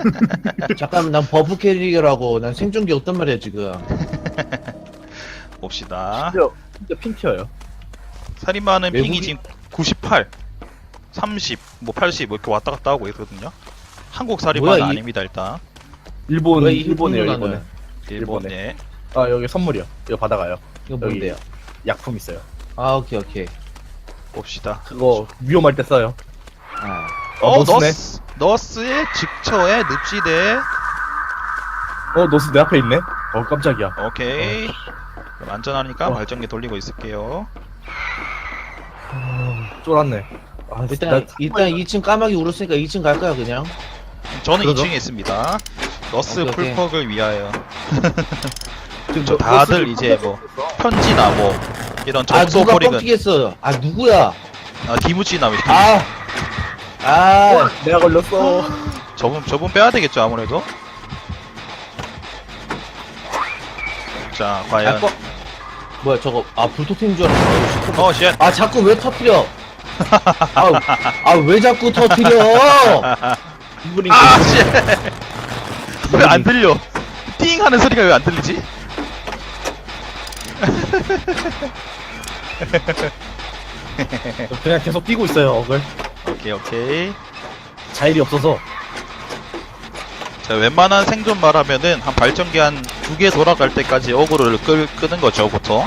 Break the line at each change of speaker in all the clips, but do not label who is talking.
잠깐만, 난 버프 캐릭이라고. 난 생존기 없단 말이야, 지금.
봅시다.
진짜 핀티어요.
살인마는 핑이
외국인-
지금 98, 30, 뭐 80, 뭐 이렇게 왔다 갔다 하고 있거든요. 한국 살인마는
뭐야, 이-
아닙니다, 일단.
왜 이
일본이에요,
일본은
일본은.
일본,
일본에.
예.
아, 여기 선물이요. 이거 받아가요.
이거 뭔데요?
약품 있어요.
아, 오케이, 오케이.
봅시다.
그거 위험할 때 써요.
아.
노스네.
너스의 직처의 늪지대.
노스 내 앞에 있네. 깜짝이야.
오케이. 그럼 안전하니까
어.
발전기 돌리고 있을게요.
쫄았네. 아,
일단 2층 까마귀 울었으니까 2층 갈까요, 그냥?
저는
그러죠?
2층에 있습니다. 너스
오케이, 오케이.
풀퍽을 위하여.
지금
저 다들 이제 뭐 편지나 뭐 이런
아,
접속
누가
포링은
뻥튀겠어. 아, 누구야?
디무치나 뭐
아! 아!
내가 걸렸어.
저분 빼야 되겠죠 아무래도. 자 과연
아, 뭐야, 저거. 아, 불토템인 줄 알았어.
쉣.
아, 자꾸 왜 터뜨려? 왜 자꾸 터뜨려?
이분이
왜 안 들려? 띵 하는 소리가 왜 안 들리지?
그냥 계속 뛰고 있어요. 억을.
오케이.
자일이 없어서.
자 웬만한 생존 말하면은 한 발전기 한 2개 돌아갈 때까지 어그로를 끄는 거죠 보통.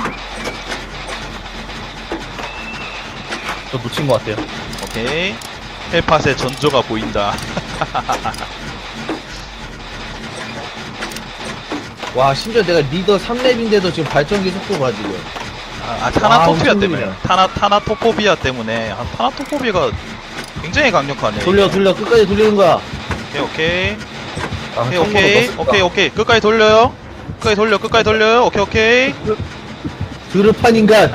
저 놓친 것 같아요.
오케이. 헬팟의 전조가 보인다.
와, 심지어 내가 리더 3렙인데도 지금 발전기 속도가 지금.
타나토피아
엄청
때문에.
느리네.
타나토포비아 때문에. 타나토포비아가 굉장히 강력하네.
돌려, 끝까지 돌리는 거야.
오케이.
아,
오케이. 끝까지 돌려요. 끝까지 돌려요. 오케이.
드르판 인간.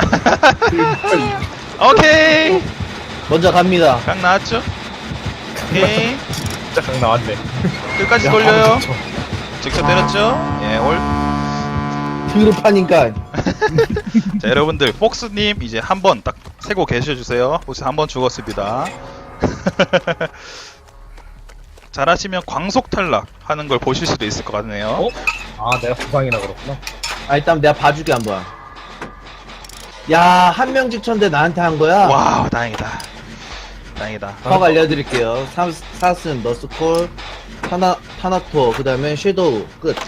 오케이.
먼저 갑니다.
강 나왔죠? 오케이.
진짜 강 나왔네.
끝까지
야,
돌려요.
바로 좋죠.
직접 때렸죠? 예,
드르판 인간.
자, 여러분들, 폭스님 이제 한 번 딱 세고 계셔주세요. 폭스 한 번 죽었습니다. 잘하시면 광속 탈락 하는 걸 보실 수도 있을 것 같네요.
아, 내가 부상이라 그렇구나.
아, 일단 내가 봐줄게, 한번. 야, 한 명 직천데 나한테 한 거야?
와우, 다행이다.
퍽 알려드릴게요. 사스는 너스콜, 타나토, 그 다음에 섀도우, 끝.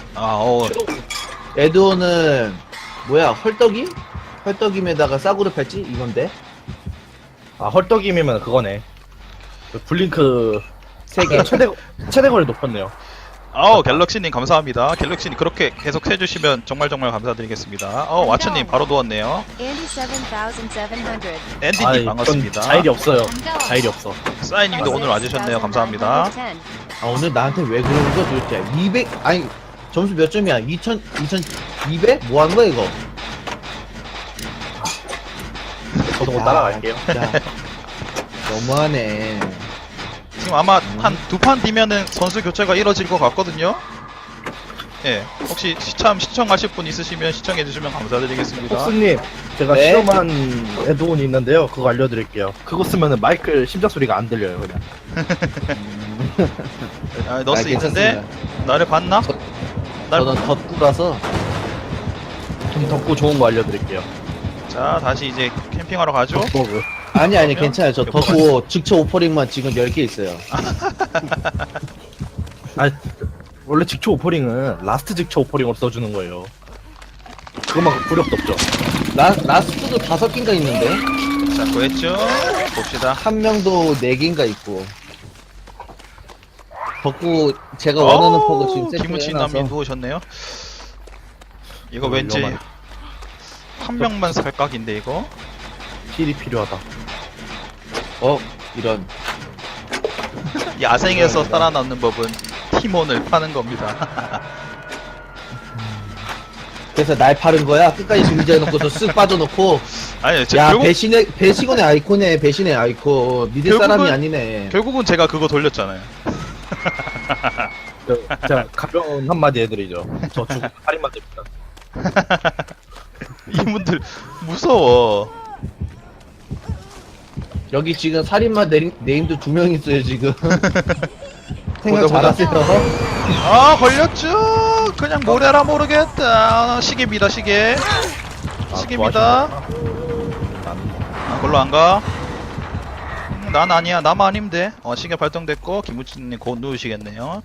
에드오는, 뭐야, 헐떡이? 헐떡임에다가 싸구려 팔찌? 이건데?
아, 헐떡임이면 그거네. 그 블링크
3개.
최대거리 높였네요.
갤럭시님 감사합니다. 갤럭시님 그렇게 계속 해주시면 정말 감사드리겠습니다. 와츠님 바로 누웠네요.
Andy 7700.
앤디님 반갑습니다.
자일이 없어요. 자일이 없어.
사이님도 오늘 와주셨네요. 감사합니다.
아, 오늘 나한테 왜 그러는 거야, 도대체? 200, 아니, 점수 몇 점이야? 2200? 뭐 하는 거야, 이거?
저도 곧 따라갈게요.
진짜. 너무하네.
지금 아마 한 2판 뒤면은 선수 교체가 이뤄질 것 같거든요. 예, 혹시 시청하실 분 있으시면 시청해주시면 감사드리겠습니다.
폭스님, 제가
네?
실험한 에드온이 있는데요. 그거 알려드릴게요. 그거 쓰면은 마이크 심장 소리가 안 들려요, 그냥.
너스 있는데
괜찮습니다.
나를 봤나? 날
저는 덧구라서.
좀 덥고 좋은 거 알려드릴게요.
자 다시 이제 캠핑하러 가죠.
버그.
아니,
그래요?
괜찮아요. 저 덧구 직처 오퍼링만 지금 10개 있어요.
아, 원래 직초 오퍼링은 라스트 직초 오퍼링으로 써주는 거예요. 그거만 구력도 없죠.
라스트도 5개인가 있는데?
자 구했죠. 봅시다.
한 명도 4개인가 있고. 덕구, 제가 원하는 퍽을 지금
김우치
세팅해놔서.
남이 누우셨네요. 이거 왠지
위험하네.
한 명만 살각인데 이거.
힐이 필요하다.
이런.
야생에서 살아남는 법은 티몬을 파는 겁니다.
그래서 날 파는 거야? 끝까지 준비해놓고서 쓱 빠져놓고.
아니
야,
결국
배신의 아이콘이네, 배신의 아이콘. 믿을
결국은-
사람이 아니네.
결국은 제가 그거 돌렸잖아요.
자, 가벼운 한마디 해드리죠. 저 죽음 살인마 됩니다.
이분들 무서워.
여기 지금 살인마 네임도 2명 있어요, 지금. 생각
보자.
잘하세요.
아 걸렸죠. 그냥 뭐래라 모르겠다. 시계입니다 시계. 시계입니다. 아, 걸로 안 가. 난 아니야. 나만 아니면 돼. 시계 발동됐고 김우진님 곧 누우시겠네요.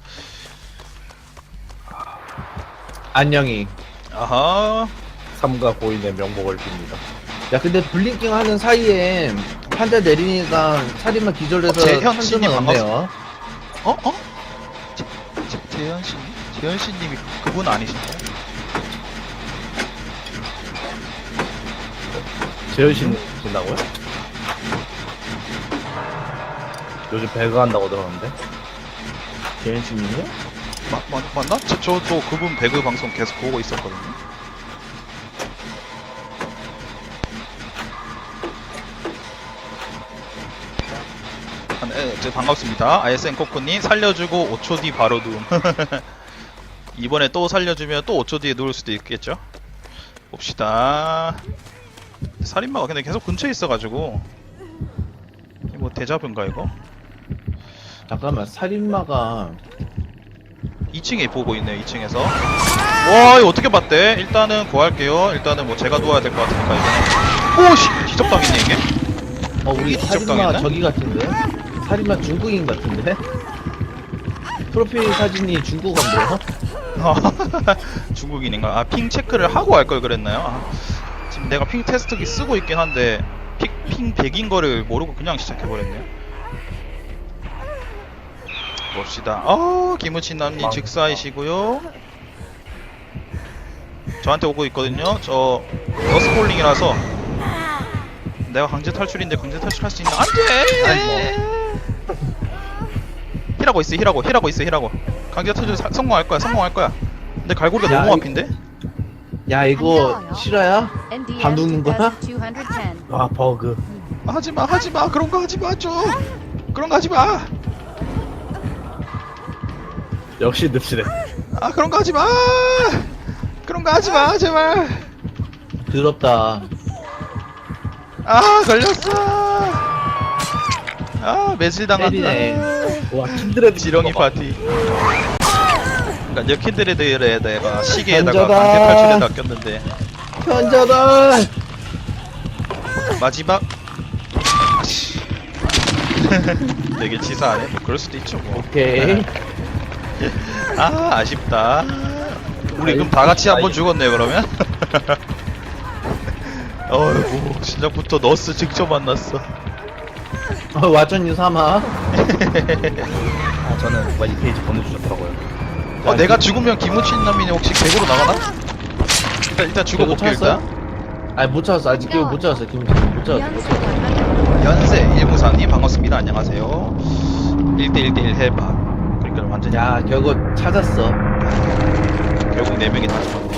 안녕히.
아하.
삼가 고인의 명복을 빕니다.
야 근데 블링킹 하는 사이에 판자 내리니까 살인마 기절해서
재현 씨님
천점은 없네요.
어? 재현씨? 재현씨님이 그분 아니신가요?
재현신 신다고요? 요즘 배가 한다고 들었는데.
재현씨님이요?
맞나? 저도 그분 배그 방송 계속 보고 있었거든요. 네, 반갑습니다. ISN 코코님 살려주고 5초 뒤 바로 누움. 이번에 또 살려주면 또 5초 뒤에 누울 수도 있겠죠? 봅시다. 살인마가 근데 계속 근처에 있어가지고 이게 뭐 대자뷰인가 이거?
잠깐만 살인마가
2층에 보고 있네요. 2층에서. 와 이거 어떻게 봤대? 일단은 구할게요. 일단은 뭐 제가 누워야 될 것 같으니까 이거는. 오씨 지적당했네 이게.
우리
이게
살인마
지적당했네?
저기 같은데? 살인마 중국인 같은데? 프로필 사진이 중국어인데요?
중국인인가? 아 핑 체크를 하고 할 걸 그랬나요? 지금 내가 핑 테스트기 쓰고 있긴 한데 핑 100인 거를 모르고 그냥 시작해버렸네요. 봅시다. 김우친남님 즉사이시고요. 저한테 오고 있거든요. 저 너스폴링이라서 내가 강제 탈출인데 강제 탈출할 수 있나? 안돼! 힐하고 있어 힐하고 있어 강제 탈출 성공할 거야. 근데 갈고리가
야,
너무
이-
앞인데?
야 이거 실화야?
NDM
밥 눕는 거야?
2210.
아 버그.
하지마 그런 거 하지마 좀 그런 거 하지마
역시 늪시네.
그런 거 하지마 그런 거 하지마 제발
더럽다.
걸렸어 매질
때리네.
당한다
와 킨드레드
지렁이 파티 그니까 킨드레드에 내가 시계에다가
던져라.
강제 탈출에 낚였는데
현자다.
마지막 아씨 되게 치사하네 뭐 그럴 수도 있죠 뭐
오케이.
아쉽다 우리 그럼 다 같이 한번 죽었네 그러면 어이구 시작부터 너스 직접 만났어
와전유 삼아.
아 저는 누가 이 페이지 보내주셨더라고요.
내가 죽으면 김우친남이 혹시 객으로 나가나? 일단 죽어
객으로
볼게 일단
찾았어요? 아니 못 찾았어. 아직 못 찾았어. 김 못 찾았어. 못 찾았어.
연세 194님 반갑습니다 안녕하세요 1대1대1 해봐 그러니까 완전히
야 결국 찾았어.
결국 4명이 다 죽었네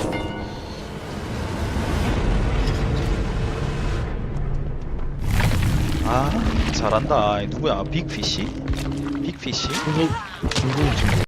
잘한다 누구야 빅피쉬? 빅피쉬?
중국 친구.